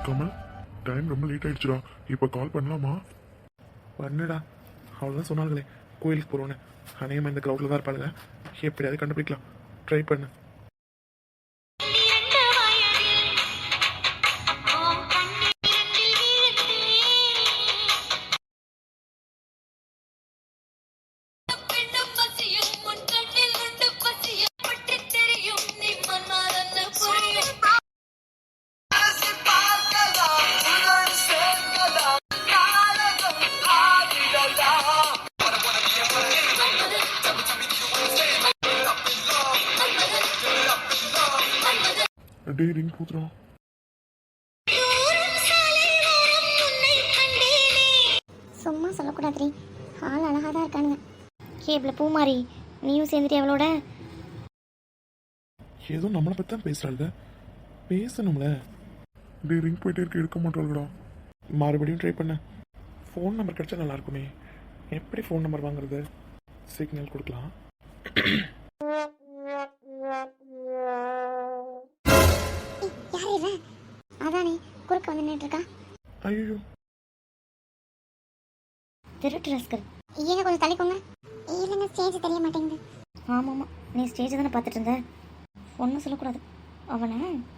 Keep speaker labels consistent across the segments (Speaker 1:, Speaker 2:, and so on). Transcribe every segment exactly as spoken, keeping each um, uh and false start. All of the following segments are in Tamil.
Speaker 1: கமல், டைம் ரொம்ப லேட் ஆயிடுச்சுடா. இப்போ கால் பண்ணலாமா?
Speaker 2: பண்ணுடா. அவ்வளோதான் சொன்னாங்களே கோயிலுக்கு போகிறோன்னு. அநேகமாக இந்த க்ரௌடில் தான் இருப்பாளுங்க. எப்படியாவது கண்டுபிடிக்கலாம். ட்ரை பண்ணு.
Speaker 1: டே ரிங் கூத்துறோம்.
Speaker 3: சும்மா சொல்லக்கூடாது. ஆள் அழகாக தான் இருக்கானுங்க. கேபிள் பூமாரி, நீயும் சேர்ந்துட்டு அவளோட
Speaker 2: ஏதோ நம்மளை பற்றி தான் பேசுகிறாளுங்க. பேசணும்ல.
Speaker 1: டே ரிங் போயிட்டே இருக்க, எடுக்க மாட்டாளுடா.
Speaker 2: மறுபடியும் ட்ரை பண்ண. ஃபோன் நம்பர் கிடச்சா நல்லா இருக்குமே. எப்படி ஃபோன் நம்பர் வாங்குறது? சிக்னல் கொடுக்கலாம்.
Speaker 3: யார் இவன்? அதானே குறுக்க வந்து நின்றுருக்கா.
Speaker 2: ஐயோ,
Speaker 3: திருட்டு ரஸ்கல். ஏங்க கொஞ்சம் தலைக்கோங்க. இல்லைங்க, ஸ்டேஜ் தெரிய மாட்டேங்குது. ஆமாம் ஆமாம், நீ ஸ்டேஜ் தானே பார்த்துட்டு இருந்த. ஒன்றும் சொல்லக்கூடாது. அவனை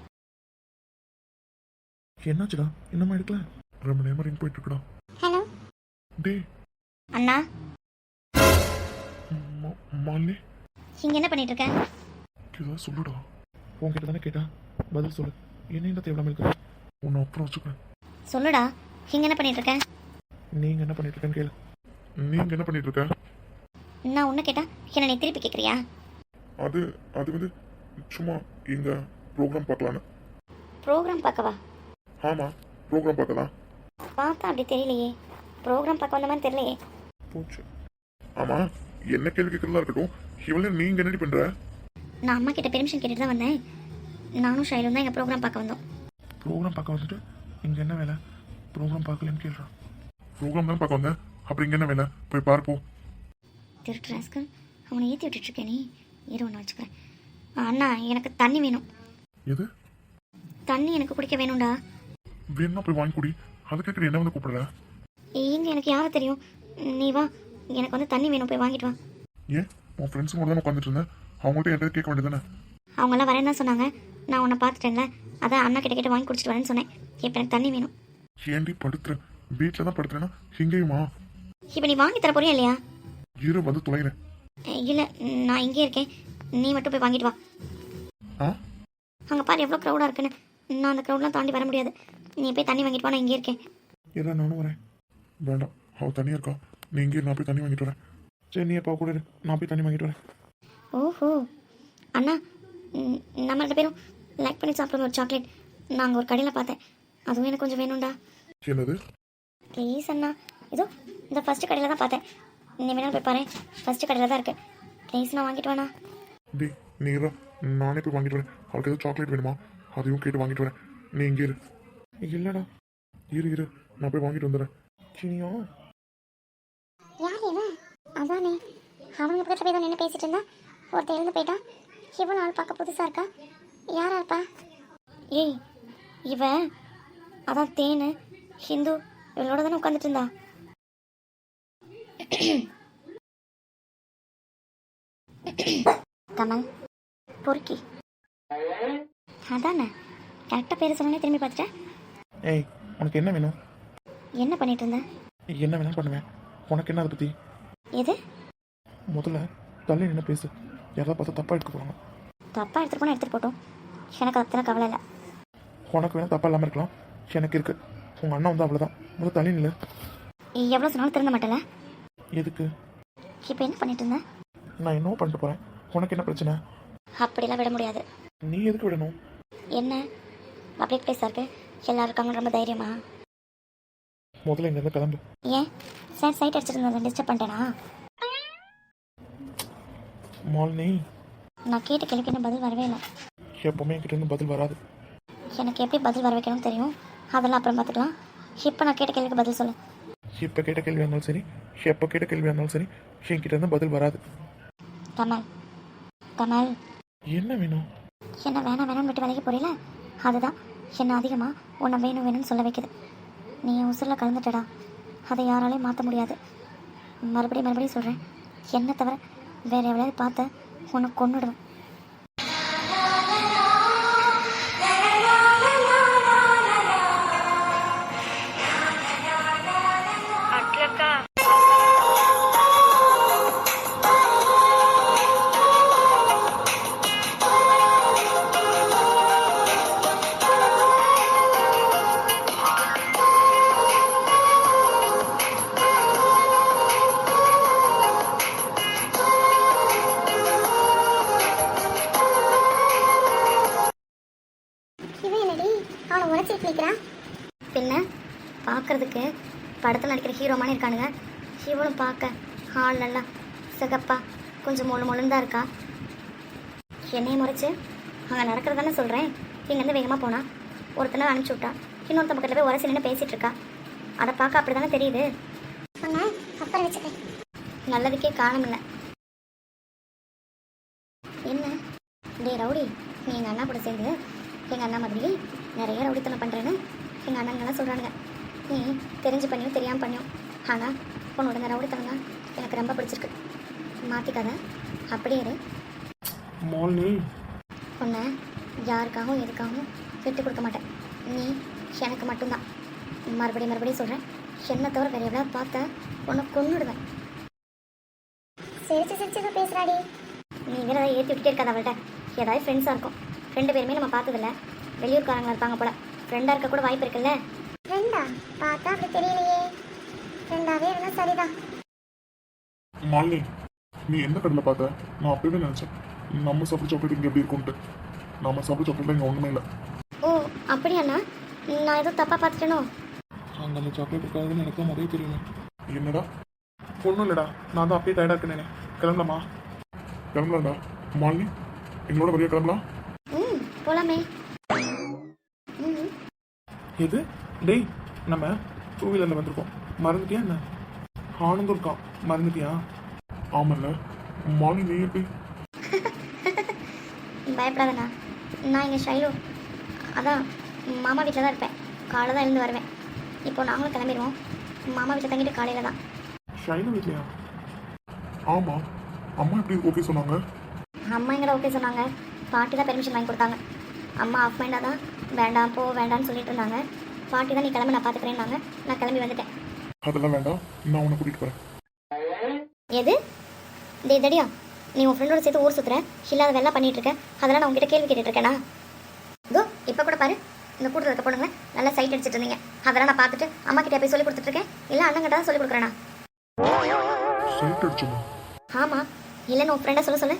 Speaker 2: என்னாச்சுடா? இன்னுமா எடுக்கல?
Speaker 1: ரொம்ப நேரம் ரிங் போயிட்டு இருக்கடா.
Speaker 3: ஹலோ
Speaker 1: டே
Speaker 3: அண்ணா,
Speaker 1: மாலினி,
Speaker 3: இங்கே என்ன பண்ணிட்டு இருக்க?
Speaker 1: ஏதாவது சொல்லுடா.
Speaker 2: உன்கிட்ட தானே கேட்டா, பதில் சொல்லு. என்ன தேவையில்லாம இருக்கு?
Speaker 1: உன்னை அப்புறம் வச்சுக்கிறேன்.
Speaker 3: சொல்லுடா, இங்கே என்ன பண்ணிட்டு இருக்க?
Speaker 2: நீங்க என்ன பண்ணிட்டு இருக்கேன்னு கேளு.
Speaker 1: நீங்க என்ன பண்ணிட்டு இருக்க?
Speaker 3: நான் உன்னை கேட்டா என்ன நீ திருப்பி கேட்குறியா?
Speaker 1: அது அது வந்து சும்மா எங்க ப்ரோக்ராம் பார்க்கலான்னு.
Speaker 3: ப்ரோக்ராம் பார்க்கவா?
Speaker 1: ஆமா, ப்ரோக்ராம் பார்க்கலாம்.
Speaker 3: பார்த்தா அப்படி தெரியலையே. ப்ரோக்ராம் பார்க்க வந்த மாதிரி தெரியலையே.
Speaker 2: போச்சு.
Speaker 1: ஆமா, என்ன கேள்வி கேட்கறதா இருக்கட்டும். இவளே நீங்க என்னடி பண்ற?
Speaker 3: நான் அம்மா கிட்ட பெர்மிஷன் கேட்டுட்டு தான் வந்தேன். நானும் ஷைலும் தான் எங்கள் ப்ரோக்ராம் பார்க்க வந்தோம்.
Speaker 2: ப்ரோக்ராம் பார்க்க வந்துட்டு இங்க என்ன வேலை? ப்ரோக்ராம் பார்க்கலன்னு கேள்றான்.
Speaker 1: ப்ரோக்ராம் தான் பார்க்க வந்தேன். அப்புறம் இங்க என்ன வேலை? போய் பார்ப்போம்.
Speaker 3: திருட்டு ராஸ்கல், அவனை ஏற்றி விட்டுட்ருக்கேன். நீ இரு ஒன்று வச்சுக்கிறேன். அண்ணா, எனக்கு தண்ணி வேணும்.
Speaker 1: எது?
Speaker 3: தண்ணி எனக்கு குடிக்க வேணும்டா.
Speaker 1: வேணும்னா போய் வாங்கி குடி. அதுக்கு என்ன வந்து கூப்பிடுற?
Speaker 3: எங்க எனக்கு யாரை தெரியும்? நீ வா, எனக்கு வந்து தண்ணி வேணும், போய் வாங்கிட்டு வா.
Speaker 1: ஏன் உன் ஃப்ரெண்ட்ஸ் கூட தான் உட்காந்துட்டு இருந்தேன். அவங்கள்ட்ட என்கிட்ட கேட்க வேண்டியதானே?
Speaker 3: அவங்களாம் வரேன்னு தான் சொன்னாங்க. நான் உன்னை பார்த்துட்டேன்ல, அதான் அண்ணா கிட்ட கேட்டு வாங்கி குடிச்சிட்டு வரேன்னு சொன்னேன். இப்போ எனக்கு தண்ணி வேணும்.
Speaker 1: ஏண்டி படுத்துறேன்? வீட்டில் தான் படுத்துறேன்னா இங்கேயுமா?
Speaker 3: இப்போ நீ வாங்கி தர போறியா இல்லையா?
Speaker 1: இரு வந்து துளைகிறேன்.
Speaker 3: இல்லை, நான் இங்கே இருக்கேன். நீ மட்டும் போய் வாங்கிட்டு வா.
Speaker 1: ஆ,
Speaker 3: அங்கே பாரு எவ்வளோ க்ரௌடாக இருக்குன்னு. நான் அந்த க்ரௌட்லாம் தாண்டி வர முடியாது. நீ போய் தண்ணி வாங்கிட்டு வா, நான் இங்கே இருக்கேன்.
Speaker 1: இல்லை நானும் வரேன். வேண்டாம், அவள் தனியாக இருக்கா. நீ இங்கே, நான் போய் தண்ணி வாங்கிட்டு வரேன்.
Speaker 2: சரி, நீ எப்போ கூட இரு. நான் போய் தண்ணி வாங்கிட்டு வரேன்.
Speaker 3: ஓஹோ அண்ணா, ம், நம்ம ரெண்டு பேரும் லைக் பண்ணி சாப்பிட்ற ஒரு சாக்லேட் நான் அங்கே ஒரு கடையில் பார்த்தேன். அதுவும் எனக்கு கொஞ்சம் வேணும்டா.
Speaker 1: என்னது?
Speaker 3: ப்ளீஸ் அண்ணா. இதோ இந்த ஃபஸ்ட்டு கடையில் தான் பார்த்தேன். நீ வேணாலும் போய் பாரு, ஃபஸ்ட்டு கடையில் தான் இருக்கு. ப்ளீஸ் நான் வாங்கிட்டு வாண்ணா.
Speaker 1: டி நீ இரு, நானே போய் வாங்கிட்டு வரேன். அவளுக்கு எதுவும் சாக்லேட் வேணுமா? அதையும் கேட்டு வாங்கிட்டு வரேன். நீ இங்கே இரு.
Speaker 2: இல்லைடா.
Speaker 1: இரு இரு, நான் போய் வாங்கிட்டு வந்துடுறேன்.
Speaker 2: சினியா,
Speaker 3: யார் இவன்? அதானே அவங்க பக்கத்தில் போய் தான் நின்று பேசிட்டு இருந்தா ஒருத்தர் எழுந்து போயிட்டான். இவன் ஆள் பார்க்க புதுசாக இருக்கா. யாரா இருப்பா? ஏய், இவ அதான் தேனு ஹிந்து இவளோட தானே உட்காந்துட்டு இருந்தா. கமல் பொறுக்கி அதானே கரெக்டாக பேர் சொன்னாலே திரும்பி பார்த்துட்டேன்.
Speaker 2: ஏய், உனக்கு என்ன வேணும்?
Speaker 3: என்ன பண்ணிட்டு இருந்த?
Speaker 2: என்ன வேணாலும் பண்ணுவேன். உனக்கு என்ன அதை பற்றி?
Speaker 3: எது?
Speaker 2: முதல்ல தள்ளி நின்று பேசு. யாராவது பார்த்தா தப்பாக எடுக்க போகிறாங்க.
Speaker 3: தப்பாக எடுத்துகிட்டு போனால் எடுத்துகிட்டு போட்டோம். எனக்கு அத்தனை கவலை இல்லை.
Speaker 2: உனக்கு வேணால் தப்பாக இல்லாமல் இருக்கலாம், எனக்கு இருக்கு. உங்கள் அண்ணன் வந்து அவ்வளோதான். முதல்ல தள்ளி நில்லு.
Speaker 3: எவ்வளோ சொன்னாலும் திருந்த மாட்டல.
Speaker 2: எதுக்கு?
Speaker 3: இப்போ என்ன பண்ணிட்டு இருந்தேன்?
Speaker 2: நான் என்ன பண்ணிட்டு போகிறேன்? உனக்கு என்ன பிரச்சனை?
Speaker 3: அப்படிலாம் விட முடியாது.
Speaker 2: நீ எதுக்கு விடணும்?
Speaker 3: என்ன பப்ளிக் பிளேஸாக இருக்கு, எல்லாரும் இருக்காங்க, ரொம்ப தைரியமா?
Speaker 2: முதல்ல இங்கேருந்து கிளம்பு.
Speaker 3: ஏன் சார் சைட் அடிச்சிருந்ததை டிஸ்டர்ப் பண்ணிட்டேனா?
Speaker 2: மாலினி,
Speaker 3: நான் கேட்ட கேள்விக்கு என்ன பதில் வரவே இல்லை.
Speaker 2: எப்போவுமே என்கிட்ட இருந்து பதில் வராது.
Speaker 3: எனக்கு எப்படி பதில் வர வைக்கணும்னு தெரியும். அதெல்லாம் அப்புறம் பார்த்துக்கலாம். இப்போ நான் கேட்ட கேள்விக்கு பதில் சொல்லு.
Speaker 2: இப்போ கேட்ட கேள்வியாக இருந்தாலும் சரி, எப்போ கேட்ட கேள்வியாக இருந்தாலும் சரி, என்கிட்ட இருந்து பதில் வராது.
Speaker 3: கமல் கமல்
Speaker 2: என்ன வேணும்?
Speaker 3: என்ன வேணாம் வேணாம்னு விட்டு விலைக்கு போறீல, அதுதான் என்னை அதிகமாக உன்னை வேணும் வேணும்னு சொல்ல வைக்குது. நீ என் உசுரில் கலந்துட்டடா, அதை யாராலையும் மாற்ற முடியாது. மறுபடியும் மறுபடியும் சொல்கிறேன், என்னை தவிர வேறு எவ்வளவு பார்த்த உன்னை கொன்னுடுவேன். பின்ன பார்க்கறதுக்கு படத்தில் நடிக்கிற ஹீரோ மாதிரி இருக்கானுங்க. இவளும் பார்க்க ஆள் நல்லா சிகப்பா கொஞ்சம் மொழு மொழுன்னு தான் இருக்கா. என்னையை முறைச்சு அங்கே நடக்கிறதானே சொல்கிறேன். இங்கேருந்து வேகமாக போனா ஒருத்தனை அனுப்பிச்சி விட்டா, இன்னொருத்த பக்கத்தில் போய் உரசி நின்று பேசிகிட்டு இருக்கா. அதை பார்க்க அப்படி தானே தெரியுது. அப்புறம் வச்சுக்க நல்லதுக்கே காரணம் இல்லை. என்ன டே ரவுடி, நீ எங்கள் அண்ணா கூட சேர்ந்து எங்கள் அண்ணா மாதிரி நிறைய ரவுடித்தனம் பண்ணுறேன்னு எங்கள் அண்ணங்கெல்லாம் சொல்கிறானுங்க. நீ தெரிஞ்சு பண்ணியும் தெரியாமல் பண்ணியும், ஆனால் உன்னோட இந்த ரவுடித்தனம் தான் எனக்கு ரொம்ப பிடிச்சிருக்கு. மாற்றிக்காத, அப்படியே இரு.
Speaker 2: மாலினி,
Speaker 3: உன்னை யாருக்காகவும் எதுக்காகவும் விட்டு கொடுக்க மாட்டேன். நீ எனக்கு மட்டும்தான். மறுபடியும் மறுபடியும் சொல்கிறேன், என்னை தவிர வேறு எவ்வளோ பார்த்த உன்னை கொன்னுடுவேன். சிரிச்சு சிரிச்சு பேசுகிறாடி. நீ வேறு ஏதாவது ஏற்றி விட்டுட்டே இருக்காது அவள்கிட்ட. ஏதாவது ஃப்ரெண்ட்ஸாக இருக்கும். ரெண்டு பேருமே நம்ம பார்த்ததில்ல, வெளியூர்காரங்க இருப்பாங்க போல. ஃப்ரெண்டாக இருக்க கூட வாய்ப்பு இருக்குல்ல. ஃப்ரெண்டா பார்த்தா அப்படி தெரியலையே. ஃப்ரெண்டாவே இருந்தால் சரிதான்.
Speaker 1: மாலினி, நீ எந்த கடையில் பார்த்த? நான் அப்பவே நினச்சேன் நம்ம சாப்பிட்ற சாக்லேட் இங்கே எப்படி இருக்கும்ட்டு. நம்ம சாப்பிட்ற சாக்லேட் இங்கே ஒன்றுமே இல்லை.
Speaker 3: ஓ அப்படியாண்ணா, நான் எதுவும் தப்பாக பார்த்துட்டேனோ?
Speaker 2: அங்கே அந்த சாக்லேட் இருக்காதுன்னு எனக்கு தான் முதல்ல தெரியல.
Speaker 1: என்னடா?
Speaker 2: ஒன்றும் இல்லைடா, நான் தான் அப்பயே டயர்டாக இருக்கேனே. கிளம்பலாமா?
Speaker 1: கிளம்பலாம்டா. மாலினி, எங்களோட வழியாக கிளம்பலாம்.
Speaker 3: ம் போலாமே. ம்
Speaker 2: எது? டேய், நம்ம டூ வீலரில் வந்திருக்கோம், மறந்துட்டியா என்ன? ஆனந்தும் இருக்கான், மறந்துட்டியா?
Speaker 1: ஆமாம்ல. மாலினி, நீ எப்படி?
Speaker 3: பயப்படாதண்ணா, நான் இங்கே ஷைலு அதான் மாமா வீட்டில் தான் இருப்பேன். காலை தான் எழுந்து வருவேன். இப்போ நாங்களும் கிளம்பிடுவோம். மாமா வீட்டில் தங்கிட்டு காலையில் தான்.
Speaker 2: ஷைலு வீட்லையா?
Speaker 1: ஆமாம். அம்மா எப்படி ஓகே சொன்னாங்க?
Speaker 3: அம்மா எங்கடா ஓகே சொன்னாங்க, பாட்டி தான் பெர்மிஷன் வாங்கி கொடுத்தாங்க. அம்மா ஆஃப் மைண்டாக தான் வேண்டாம் போ வேண்டாம்னு சொல்லிட்டு இருந்தாங்க. பாட்டி தான் நீ கிளம்பி நான் பார்த்துக்கிறேன்னாங்க. நான் கிளம்பி வந்துட்டேன்.
Speaker 1: அதெல்லாம் வேண்டாம், நான் உன்னை கூட்டிகிட்டு போகிறேன்.
Speaker 3: எது? டே தடியா, நீ உன் ஃப்ரெண்டோட சேர்த்து ஊர் சுற்றுற, இல்லாத வேலை பண்ணிட்டு இருக்க. அதெல்லாம் நான் உங்ககிட்ட கேள்வி கேட்டுட்டு இருக்கேனா? இதோ இப்போ கூட பாரு, இந்த கூட்டத்தில் இருக்க பொண்ணுங்க நல்லா சைட் அடிச்சிட்டு இருந்தீங்க. அதெல்லாம் நான் பார்த்துட்டு அம்மா கிட்டே போய் சொல்லி கொடுத்துட்ருக்கேன். இல்லை அண்ணங்கிட்ட தான் சொல்லி கொடுக்குறேண்ணா.
Speaker 1: சைட் அடிச்சுமா?
Speaker 3: ஆமாம், இல்லைன்னு உன் ஃப்ரெண்டை சொல்ல சொல்லு.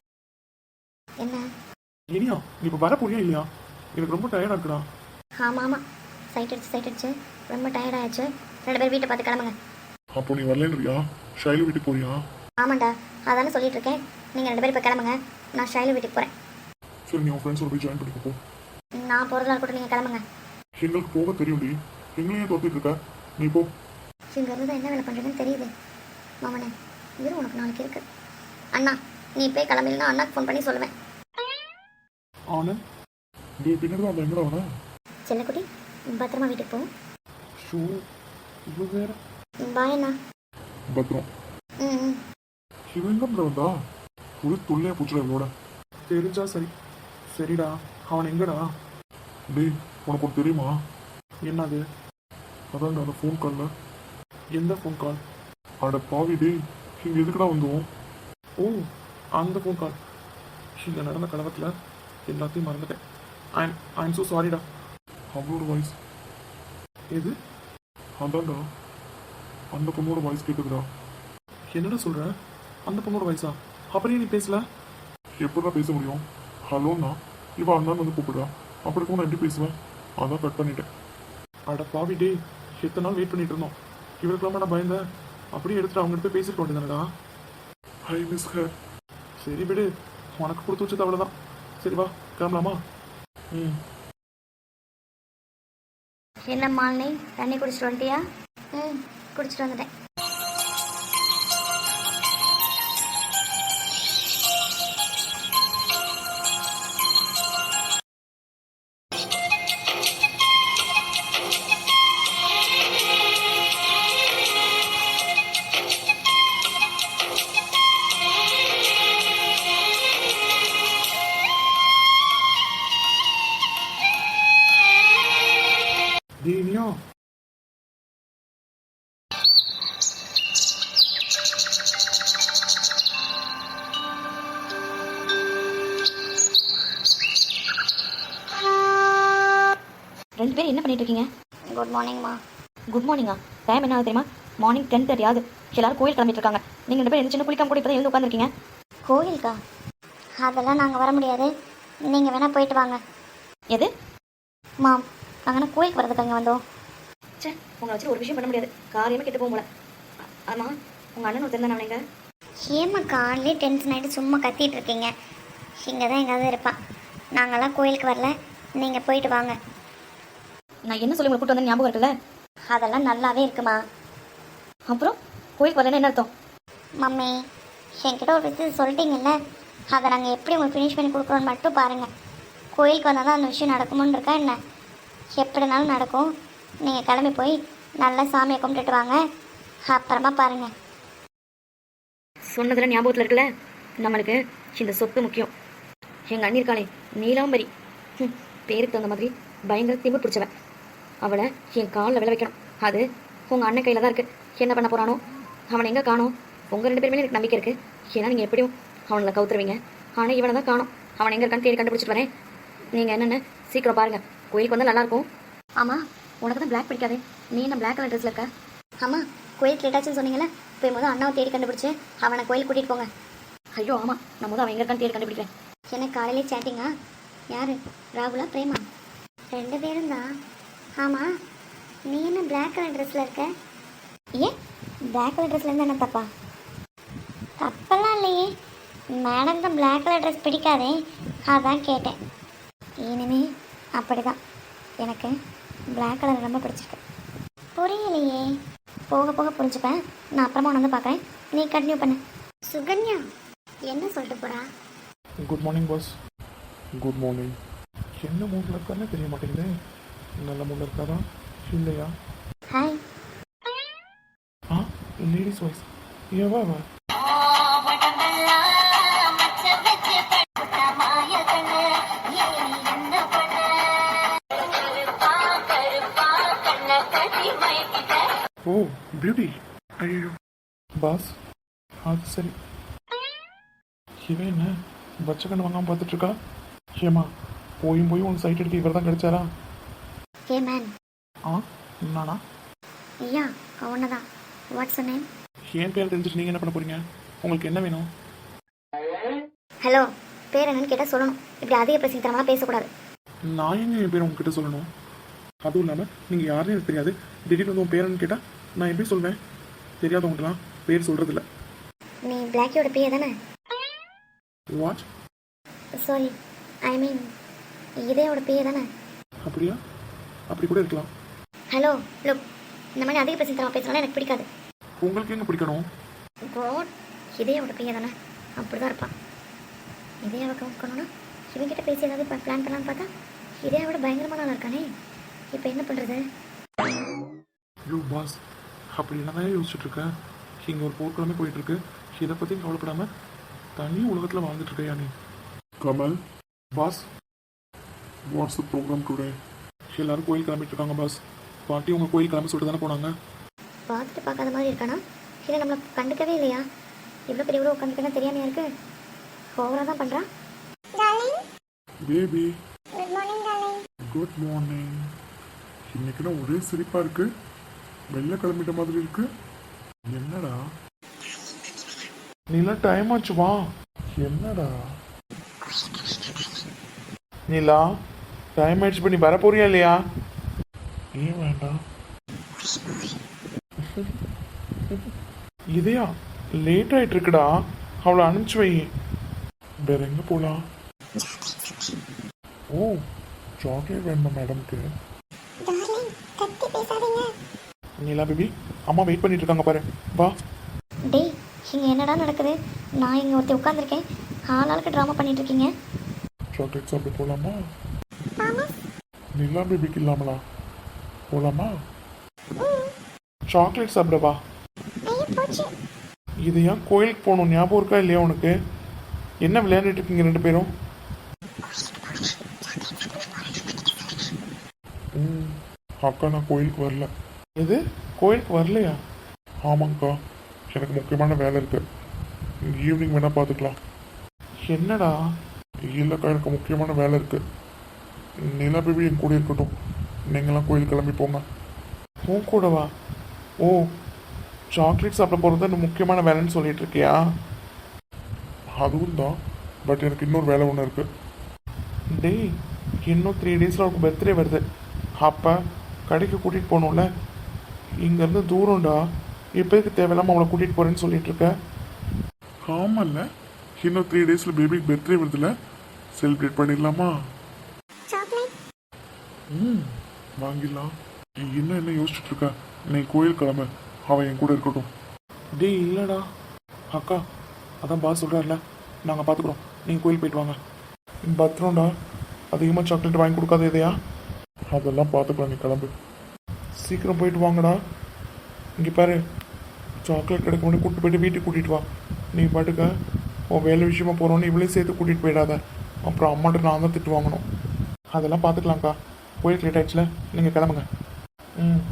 Speaker 3: என்ன
Speaker 2: இனியா, நீ இப்போ வர போறியா இல்லையா? எனக்கு ரொம்ப டயர்டாக இருக்குடா.
Speaker 3: ஆமாம் ஆமாம், சைட் அடிச்சு சைட் அடிச்சு ரொம்ப டயர்ட் ஆயிடுச்சு. ரெண்டு பேரும் வீட்டை பார்த்து கிளம்புங்க.
Speaker 1: அப்போ நீ வரலன்றியா? ஷைலு வீட்டுக்கு போறியா?
Speaker 3: ஆமாண்டா, அதானே சொல்லிட்டு இருக்கேன். நீங்கள் ரெண்டு பேரும் இப்போ கிளம்புங்க, நான் ஷைலு வீட்டுக்கு போகிறேன்.
Speaker 1: சரி, நீ உன் ஃப்ரெண்ட்ஸோட போய் ஜாயின் பண்ணிக்க போ.
Speaker 3: நான் போகிறதா கூட நீங்கள் கிளம்புங்க.
Speaker 1: எங்களுக்கு போக தெரியும்டி, எங்களையே தோத்திட்டு இருக்க. நீ போ.
Speaker 3: இங்கே இருந்து தான் என்ன வேலை பண்ணுறதுன்னு தெரியுது. மாமனே, இரு உனக்கு நாளைக்கு இருக்கு. அண்ணா நீ போய் கிளம்பினா அண்ணாக்கு ஃபோன் பண்ணி சொல்லுவேன்.
Speaker 2: ஆனந்த்,
Speaker 1: டேய் பின்னாடி தான் எங்கடா வர?
Speaker 3: செல்லக்குட்டி, பத்திரமா வீட்டுக்கு போ.
Speaker 2: ஷூ இவ்வளோ வேற.
Speaker 3: பாய் அண்ணா.
Speaker 1: பத்திரம்.
Speaker 3: ம் ம்
Speaker 1: இவன் எங்க வந்தா? ஒரு தொல்லையா போச்சுடா இவனோட.
Speaker 2: தெரிஞ்சா சரி. சரிடா, அவன் எங்கடா?
Speaker 1: டேய், உனக்கு ஒன்று தெரியுமா?
Speaker 2: என்னது?
Speaker 1: அதான்டா அந்த ஃபோன் காலில்.
Speaker 2: எந்த ஃபோன் கால்?
Speaker 1: அட பாவி டேய், இங்கே எதுக்குடா வந்தோம்?
Speaker 2: ஓ, அந்த ஃபோன் கால். இங்கே நடந்த கலவத்தில் எல்லாத்தையும் மறந்துட்டேன். ஐம் ஐம் ஸோ சாரிடா.
Speaker 1: அவளோட வாய்ஸ்.
Speaker 2: எது?
Speaker 1: அதான்டா, அந்த பொண்ணோட வாய்ஸ் கேட்குதுடா.
Speaker 2: என்னடா சொல்கிற? அந்த பொண்ணோட வயசா? அப்படியே நீ பேசல?
Speaker 1: எப்படிடா பேச முடியும்? ஹலோண்ணா, இவன் அண்ணான்னு வந்து கூப்பிடுறா. அப்படி இருக்கும் நான் எப்படி பேசுவேன்? அதான் கட் பண்ணிட்டேன்.
Speaker 2: அட பாவி டே, எத்தனை நாள் வெயிட் பண்ணிட்டு இருந்தோம். இவருக்கெல்லாம் நான் பயந்தேன். அப்படியே எடுத்துட்டு அவங்ககிட்ட போய் பேசிட்டு வேண்டியதானடா.
Speaker 1: I miss her.
Speaker 2: சரி விடு, உனக்கு கொடுத்து வச்சது அவ்வளோதான். சரி வா, கிளம்பலாமா?
Speaker 1: ம்.
Speaker 3: என்ன மாலினி, தண்ணி குடிச்சிட்டு வந்துட்டியா? ம் குடிச்சிட்டு வந்துட்டேன்.
Speaker 4: ரெண்டு பேரும் என்ன பண்ணிட்டு இருக்கீங்க?
Speaker 3: குட் மார்னிங்மா.
Speaker 4: குட் மார்னிங்கா? டைம் என்ன ஆகுது தெரியுமா? மார்னிங் டென் தேர்ட்டி ஆகுது. எல்லாரும் கோயில் கிளம்பிட்டு இருக்காங்க. நீங்கள் ரெண்டு பேரும் சின்ன குளிக்காம கூட இப்போ தான் எழுந்து உட்காந்துருக்கீங்க.
Speaker 3: கோயிலுக்கா? அதெல்லாம் நாங்கள் வர முடியாது, நீங்கள் வேணால் போயிட்டு வாங்க.
Speaker 4: எது?
Speaker 3: மாம், நாங்கள் கோயிலுக்கு வரதுக்கு அங்கே வந்தோம்.
Speaker 4: சே, உங்களை வச்சு ஒரு விஷயம் பண்ண முடியாது. காரியமே கெட்டு போகும் போல. ஆமாம், உங்கள் அண்ணன் ஒருத்தர் தானே அவனைங்க?
Speaker 3: ஏம்மா காலையிலே டென்ஷன் ஆகிட்டு சும்மா கத்திட்டு இருக்கீங்க? இங்கே தான் எங்காவது இருப்பான். நாங்கள்லாம் கோயிலுக்கு வரல, நீங்கள் போயிட்டு வாங்க.
Speaker 4: நான் என்ன சொல்லி உங்களை கூட்டு வந்தேன் ஞாபகம் இருக்குல்ல?
Speaker 3: அதெல்லாம் நல்லாவே இருக்குமா.
Speaker 4: அப்புறம் கோயிலுக்கு வரலன்னு என்ன அர்த்தம்?
Speaker 3: மம்மி, என்கிட்ட ஒரு விஷயம் சொல்லிட்டீங்கல்ல, அதை நாங்கள் எப்படி உங்களுக்கு ஃபினிஷ் பண்ணி கொடுக்குறோன்னு மட்டும் பாருங்கள். கோயிலுக்கு வந்தால் தான் அந்த விஷயம் நடக்குமோன்னு இருக்கா என்ன? எப்படினாலும் நடக்கும். நீங்கள் கிளம்பி போய் நல்லா சாமியை கும்பிட்டுட்டு வாங்க, அப்புறமா பாருங்கள்.
Speaker 4: சொன்னதில் ஞாபகத்தில் இருக்குல்ல, நம்மளுக்கு இந்த சொத்து முக்கியம். எங்கள் அண்ணி இருக்காளே நீலாம்பரி, ம், பேருக்கு தகுந்த மாதிரி பயங்கர திமிர் பிடிச்சவன். அவளை என் காலில் விழ வைக்கணும். அது உங்கள் அண்ணன் கையில் தான் இருக்குது. என்ன பண்ண போகிறானோ? அவனை எங்கே காணோம்? உங்கள் ரெண்டு பேருமே எனக்கு நம்பிக்கை இருக்குது. ஏன்னா நீங்கள் எப்படியும் அவனை கவுத்துருவீங்க. ஆனால் இவனை தான் காணோம். அவன் எங்கே இருக்கான்னு தேடி கண்டுபிடிச்சிட்டு வரேன். நீங்கள் என்னென்ன சீக்கிரம் பாருங்கள். கோயிலுக்கு வந்தால் நல்லாயிருக்கும். ஆமாம், உனக்கு தான் பிளாக் பிடிக்காதே. நீ என்ன பிளாக் கலர் ட்ரெஸ்ஸில் இருக்க?
Speaker 3: ஆமாம், கோயிலுக்கு லேட்டாச்சுன்னு சொன்னீங்களே, போய் முதல் அண்ணாவை தேடி கண்டுபிடிச்சி அவனை கோயிலுக்கு கூட்டிகிட்டு போங்க.
Speaker 4: ஐயோ ஆமாம், நான் முதல் அவன் எங்கே இருக்கான்னு தேடி கண்டுபிடிக்கிறேன்.
Speaker 3: எனக்கு காலையிலே சேட்டிங்கா? யார், ராகுலா பிரேமா? ரெண்டு பேரும் தான். ஆமாம், நீ என்ன பிளாக் கலர் ட்ரெஸ்ஸில் இருக்க? ஏன் பிளாக் கலர் ட்ரெஸ்ஸில் இருந்தால் என்ன தப்பா? தப்பெல்லாம் இல்லையே, மேடம் தான் பிளாக் கலர் ட்ரெஸ் பிடிக்காதே, அதான் கேட்டேன். இனிமே அப்படி தான், எனக்கு பிளாக் கலர் ரொம்ப பிடிச்சிருக்கு. புரியலையே, போக போக புரிஞ்சுப்பேன். நான் அப்புறமா உன்னை வந்து பார்க்குறேன், நீ கண்டினியூ பண்ணு. சுகன்யா என்ன சொல்லிட்டு போகிறா?
Speaker 2: Good morning boss. Good morning. என்ன மூடில் இருக்காருன்னு தெரிய மாட்டேங்குது. நல்ல மூடில் இருக்காரா இல்லையா?
Speaker 3: ஹாய்.
Speaker 2: ஆ, லேடிஸ் வாய்ஸ். ஏவா வா? ஓ பியூட்டி. ஐயோ பாஸ், அது சரி. இவன் என்ன பச்சை கண்ணு வாங்காமல் பார்த்துட்டு இருக்கா? ஏமா போயும் போய் உன் சைட் எடுத்து இவர் தான் கிடைச்சாரா?
Speaker 3: Hey man.
Speaker 2: ஆ, நானா?
Speaker 3: ஐயா அவனை தான். What's your name?
Speaker 2: என் பேர் தெரிஞ்சுட்டு நீங்கள் என்ன பண்ண போறீங்க? உங்களுக்கு என்ன வேணும்?
Speaker 3: ஹலோ, பேர் என்னன்னு கேட்டால் சொல்லணும். இப்படி அதிக பிரச்சனை தரமாக பேசக்கூடாது.
Speaker 2: நான் எங்க என் பேர் உங்ககிட்ட சொல்லணும்? அதுவும் இல்லாமல் நீங்கள் யாருன்னு எனக்கு தெரியாது. திடீர்னு வந்து உன் பேருன்னு கேட்டால் நான் எப்படி சொல்வேன்? தெரியாதவங்களாம் பேர் சொல்கிறதில்ல.
Speaker 3: நீ பிளாக்கியோட பேய தானே?
Speaker 2: வாட்?
Speaker 3: சாரி, ஐ மீன் இதேயோட பேய தானே?
Speaker 2: அப்படியா? அப்படி கூட இருக்கலாம்.
Speaker 3: ஹலோ லுக், இந்த மாதிரி அதிக பிரச்சனை தரமாக பேசினாலும் எனக்கு பிடிக்காது.
Speaker 2: உங்களுக்கு எங்கே பிடிக்கணும்?
Speaker 3: காட், இதேயோட பேய தானே? அப்படி தான் இருப்பான். இதேயாவை கவுக்கணும்னா இவங்கிட்ட பேசி ஏதாவது பிளான் பண்ணலான்னு பார்த்தா இதேயோட பயங்கரமான ஆள் இருக்கானே. இப்போ என்ன பண்ணுறது?
Speaker 2: ஐயோ பாஸ், அப்படி என்ன தான் யோசிச்சுட்டு இருக்கேன். இங்கே ஒரு போர்க்கிழமை போயிட்டு இருக்கு. இதை பற்றி கவலைப்படாம தனி உலகத்தில் வாழ்ந்துட்டு இருக்கையா நீ?
Speaker 1: Kamal,
Speaker 2: boss,
Speaker 1: what's the programme today?
Speaker 2: எல்லாரும் கோயில் கிளம்பிட்டு இருக்காங்க பாஸ். பாட்டி உங்கள் கோயில் கிளம்பி சொல்லிட்டு தானே போனாங்க.
Speaker 3: பார்த்துட்டு பார்க்காத மாதிரி இருக்கானா? இல்லை நம்மளை கண்டுக்கவே இல்லையா? இவ்வளோ பெரிய இவ்வளோ உட்காந்துக்கன்னா தெரியாமையா இருக்கு? ஓவராக தான் பண்ணுறான்.
Speaker 1: Baby
Speaker 3: good morning darling.
Speaker 1: Good morning. இன்னைக்கு நான் ஒரே சிரிப்பா இருக்கு. வெளில கிளம்பிட்ட மாதிரி இருக்கு. என்னடா?
Speaker 2: நீலா டைம் ஆச்சு வா.
Speaker 1: என்னடா?
Speaker 2: நீலா டைம் ஆயிடுச்சு. பண்ணி வர போறியா இல்லையா?
Speaker 1: ஏன் வேண்டாம்?
Speaker 2: இதையா லேட் ஆயிட்டு இருக்குடா. அவளை அனுப்பிச்சு வை.
Speaker 1: வேற எங்க போலாம்? ஓ, சாக்லேட் வேணுமா மேடம்க்கு?
Speaker 3: டார்லிங் கத்தி பேசாதீங்க.
Speaker 2: நீலா பேபி, அம்மா வெயிட் பண்ணிட்டு இருக்காங்க பாரு. வா.
Speaker 3: டேய், இங்கே என்னடா நடக்குது? நான் இங்கே ஒருத்தி உட்காந்துருக்கேன், ஆளாளுக்கு ட்ராமா பண்ணிட்டு இருக்கீங்க.
Speaker 1: சாக்லேட் சாப்பிட்டு போலாமா? நிலா பேபிக்கு இல்லாமலா? போலாமா?
Speaker 2: சாக்லேட் சாப்பிட வா. இது ஏன் கோயிலுக்கு போகணும் ஞாபகம் இருக்கா இல்லையா உனக்கு? என்ன விளையாண்டுட்டு இருக்கீங்க ரெண்டு பேரும்?
Speaker 1: ம், அக்கா நான் கோயிலுக்கு வரல.
Speaker 2: எது, கோயிலுக்கு வரலையா?
Speaker 1: ஆமாங்க்கா, எனக்கு முக்கியமான வேலை இருக்கு. ஈவினிங் வேணா பார்த்துக்கலாம்.
Speaker 2: என்னடா?
Speaker 1: இல்லைக்கா, எனக்கு முக்கியமான வேலை இருக்கு. நிலா பேபி என் கூட இருக்கட்டும். நீங்களாம் கோயில் கிளம்பி போங்க.
Speaker 2: உன் கூடவா? ஓ, சாக்லேட் சாப்பிட போகிறது இன்னும் முக்கியமான வேலைன்னு சொல்லிட்டு இருக்கியா?
Speaker 1: அதுவும் தான், பட் எனக்கு இன்னொரு வேலை ஒன்று இருக்குது.
Speaker 2: டேய், இன்னும் த்ரீ டேஸில் அவருக்கு பர்த்டே வருது. அப்போ கடைக்கு கூட்டிகிட்டு போகணும்ல. இங்கேருந்து தூரம்டா. இப்போதுக்கு தேவையில்லாமல் அவளை கூட்டிகிட்டு போகிறேன்னு சொல்லிட்டு இருக்க.
Speaker 1: ஆமாம்ல, இன்னும் த்ரீ டேஸில் பேபிக்கு பர்த்டே வருதுல்ல, செலிப்ரேட் பண்ணிடலாமா?
Speaker 3: சாக்லேட்
Speaker 1: ம், வாங்கிடலாம். நீ இன்னும் என்ன யோசிச்சுட்டு இருக்க? நீ கோயில் கிளம்பு, அவன் என் கூட இருக்கட்டும்.
Speaker 2: டேய் இல்லைடா அக்கா, அதான் பாஸ் சொல்கிறார்ல, நாங்கள் பார்த்துக்குறோம், நீங்கள் கோயில் போயிட்டு வாங்க. பத்திரம்டா, அதிகமாக சாக்லேட் வாங்கி கொடுக்காத இதையா?
Speaker 1: அதெல்லாம் பார்த்துக்கலாம், நீ கிளம்பு.
Speaker 2: சீக்கிரம் போயிட்டு வாங்கடா. இங்கே பாரு, சாக்லேட் கிடைக்க முன்னாடி கூப்பிட்டு போயிட்டு வீட்டுக்கு கூட்டிகிட்டு வா. நீ பாட்டுக்க உன் வேலை விஷயமா போகிறோன்னு இவளையும் சேர்த்து கூட்டிகிட்டு போயிடாத. அப்புறம் அம்மாட்ட நான் தான் திட்டு வாங்கணும். அதெல்லாம் பார்த்துக்கலாம்க்கா. கோயிலுக்கு லேட் ஆயிடுச்சுல, நீங்கள் கிளம்புங்க. ம்,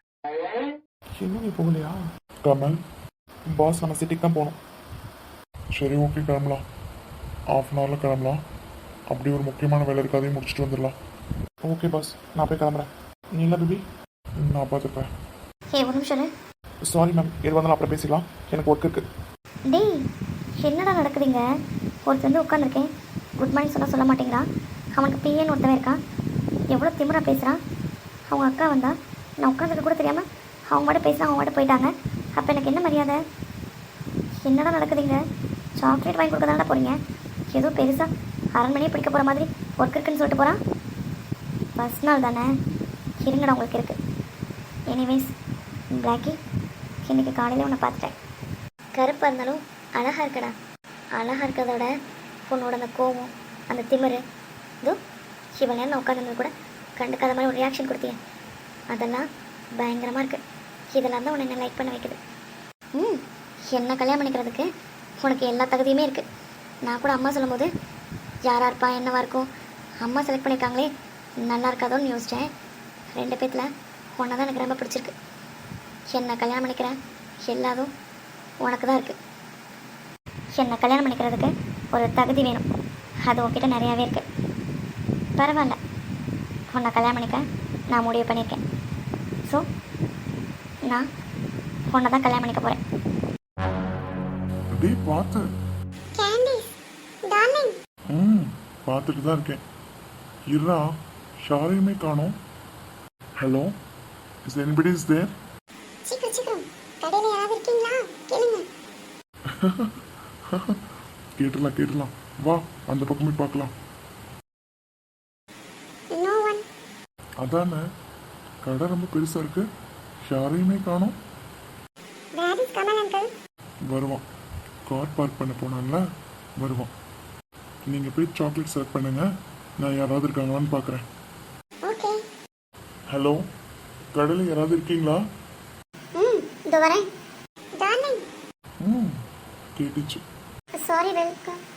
Speaker 2: இன்னும் நீ போகலையா?
Speaker 1: கமல்,
Speaker 2: பாஸ் நம்ம சிட்டிக்கு தான் போகணும்.
Speaker 1: சரி ஓகே, கிளம்பலாம். ஆஃப் அன் ஹவரில் கிளம்பலாம். அப்படி ஒரு முக்கியமான வேலை இருக்கு, அதையும் முடிச்சுட்டு வந்துடலாம்.
Speaker 2: ஓகே பாஸ், நான் போய் கிளம்புறேன். நீ இல்லை பேபி?
Speaker 1: நான் பார்த்துப்பேன்.
Speaker 3: ஏ ஒரு நிமிஷம் இரு.
Speaker 2: சாரி மேம், எது வந்தாலும் அப்புறம் பேசிக்கலாம், எனக்கு ஒர்க் இருக்குது.
Speaker 3: டேய் என்னடா நடக்குதுங்க? ஒருத்தர் வந்து உட்காந்துருக்கேன், குட் மார்னிங் சொன்னால் சொல்ல மாட்டேங்கிறான். அவனுக்கு பிஏன்னு ஒருத்தவன் இருக்கான், எவ்வளோ திமிரா பேசுகிறான். அவங்க அக்கா வந்தா, நான் உட்காந்துருக்க கூட தெரியாமல் அவங்க மட்டும் பேசுகிறான், அவங்க மட்டும் போயிட்டாங்க. அப்போ எனக்கு என்ன மரியாதை? என்னடா நடக்குதுங்க? சாக்லேட் வாங்கி கொடுக்க தானடா போகிறீங்க, ஏதோ பெருசாக அரண்மனையே பிடிக்க போகிற மாதிரி ஒர்க் இருக்குன்னு சொல்லிட்டு போகிறான். ஃபஸ்ட் நாள் தானே, இருங்கடா உங்களுக்கு இருக்குது. எனிவேஸ் பிளாக்கி, இன்றைக்கி காலையில் உன்னை பார்த்துட்டேன். கருப்பாக இருந்தாலும் அழகாக இருக்கடா. அழகாக இருக்கிறதோட உன்னோட அந்த கோவம், அந்த திமிரு, இதோ இவ்வளோ நேரம் நான் உட்காந்துருந்தது கூட கண்டுக்காத மாதிரி ஒரு ரியாக்ஷன் கொடுத்தீங்க, அதெல்லாம் பயங்கரமாக இருக்குது. இதெல்லாம் தான் உன்னை என்ன லைக் பண்ண வைக்குது. ம், என்ன கல்யாணம் பண்ணிக்கிறதுக்கு உனக்கு எல்லா தகுதியுமே இருக்குது. நான் கூட அம்மா சொல்லும் போது யாராக இருப்பா, என்னவா இருக்கும், அம்மா செலக்ட் பண்ணியிருக்காங்களே நல்லா இருக்காதோன்னு யோசித்தேன். ரெண்டு பேத்தில் உன்னை தான் எனக்கு ரொம்ப பிடிச்சிருக்கு. என்னை கல்யாணம் பண்ணிக்கிறேன், எல்லாதும் உனக்கு தான் இருக்குது. என்னை கல்யாணம் பண்ணிக்கிறதுக்கு ஒரு தகுதி வேணும், அது உன்கிட்ட நிறையாவே இருக்குது. பரவாயில்ல, உன்னை கல்யாணம் பண்ணிக்க நான் முடிவு பண்ணியிருக்கேன். ஸோ நான் உன்னை தான் கல்யாணம் பண்ணிக்க போகிறேன்.
Speaker 1: டேய் பார்த்து.
Speaker 3: Candice darling.
Speaker 1: ம், பார்த்துட்டு தான் இருக்கேன். இருடா, யாரையுமே காணோம். Hello, is anybody is there?
Speaker 3: சீக்கிரம் சீக்கிரம், கடையில் யாராவது இருக்கீங்களா கேளுங்க.
Speaker 1: கேட்டுடலாம் கேட்டுடலாம், வா அந்த பக்கமே பார்க்கலாம்.
Speaker 3: No one.
Speaker 1: அதானே, கடை ரொம்ப பெருசாக இருக்கு, யாரையுமே காணோம்.
Speaker 3: Where is Kamal uncle?
Speaker 1: வருவான், கார் பார்க் பண்ண போனான்ல, வருவான். நீங்கள் போய் சாக்லேட் செலக்ட் பண்ணுங்க, நான் யாராவது இருக்காங்களான்னு பார்க்குறேன்.
Speaker 3: ஓகே.
Speaker 1: ஹலோ, கடையில் யாராவது இருக்கீங்களா?
Speaker 3: ம், இதோ வரேன். டார்லிங்.
Speaker 1: ம், கேட்டுச்சு.
Speaker 3: Sorry welcome.